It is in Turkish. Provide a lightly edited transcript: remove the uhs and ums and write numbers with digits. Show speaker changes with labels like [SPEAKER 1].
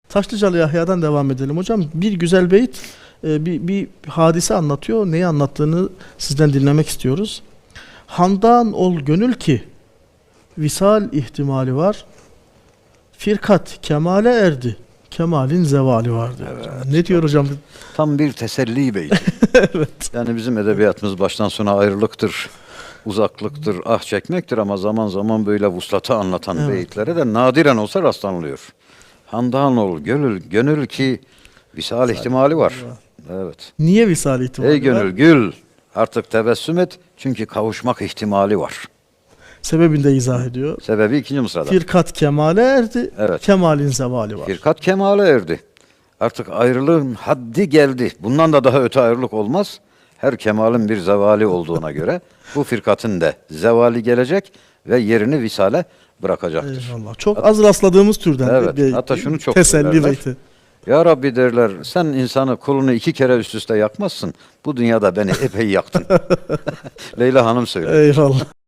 [SPEAKER 1] Taşlıcalı Yahya'dan devam edelim hocam. Bir güzel beyit bir hadise anlatıyor. Neyi anlattığını sizden dinlemek istiyoruz. Handan ol gönül ki visal ihtimali var. Firkat kemale erdi. Kemalin zevali var diyor.
[SPEAKER 2] Evet.
[SPEAKER 1] Ne diyor hocam?
[SPEAKER 2] Tam bir teselli beyti.
[SPEAKER 1] Evet.
[SPEAKER 2] Yani bizim edebiyatımız baştan sona ayrılıktır, uzaklıktır, ah çekmektir ama zaman zaman böyle vuslatı anlatan
[SPEAKER 1] Evet.
[SPEAKER 2] beyitlere de nadiren olsa rastlanılıyor. Handan ol gönül ki visal ihtimali var. Evet.
[SPEAKER 1] Niye visal ihtimali
[SPEAKER 2] Ey
[SPEAKER 1] var?
[SPEAKER 2] gönül gül, artık tebessüm et çünkü kavuşmak ihtimali var.
[SPEAKER 1] Sebebini de izah ediyor.
[SPEAKER 2] Sebebi ikinci mısrada.
[SPEAKER 1] Firkat kemale erdi.
[SPEAKER 2] Evet.
[SPEAKER 1] Kemalin zevali var.
[SPEAKER 2] Firkat kemale erdi. Artık ayrılığın haddi geldi. Bundan da daha öte ayrılık olmaz. Her kemalin bir zevali olduğuna göre bu firkatın da zevali gelecek ve yerini visale bırakacaktır.
[SPEAKER 1] Eyvallah. Çok az rastladığımız türden
[SPEAKER 2] Evet,
[SPEAKER 1] bir
[SPEAKER 2] hatta şunu çok
[SPEAKER 1] teselli
[SPEAKER 2] söylerler.
[SPEAKER 1] beyti.
[SPEAKER 2] Ya Rabbi derler, sen insanı kulunu 2 kere üst üste yakmazsın. Bu dünyada beni epey yaktın. Leyla Hanım söylüyor.
[SPEAKER 1] Eyvallah.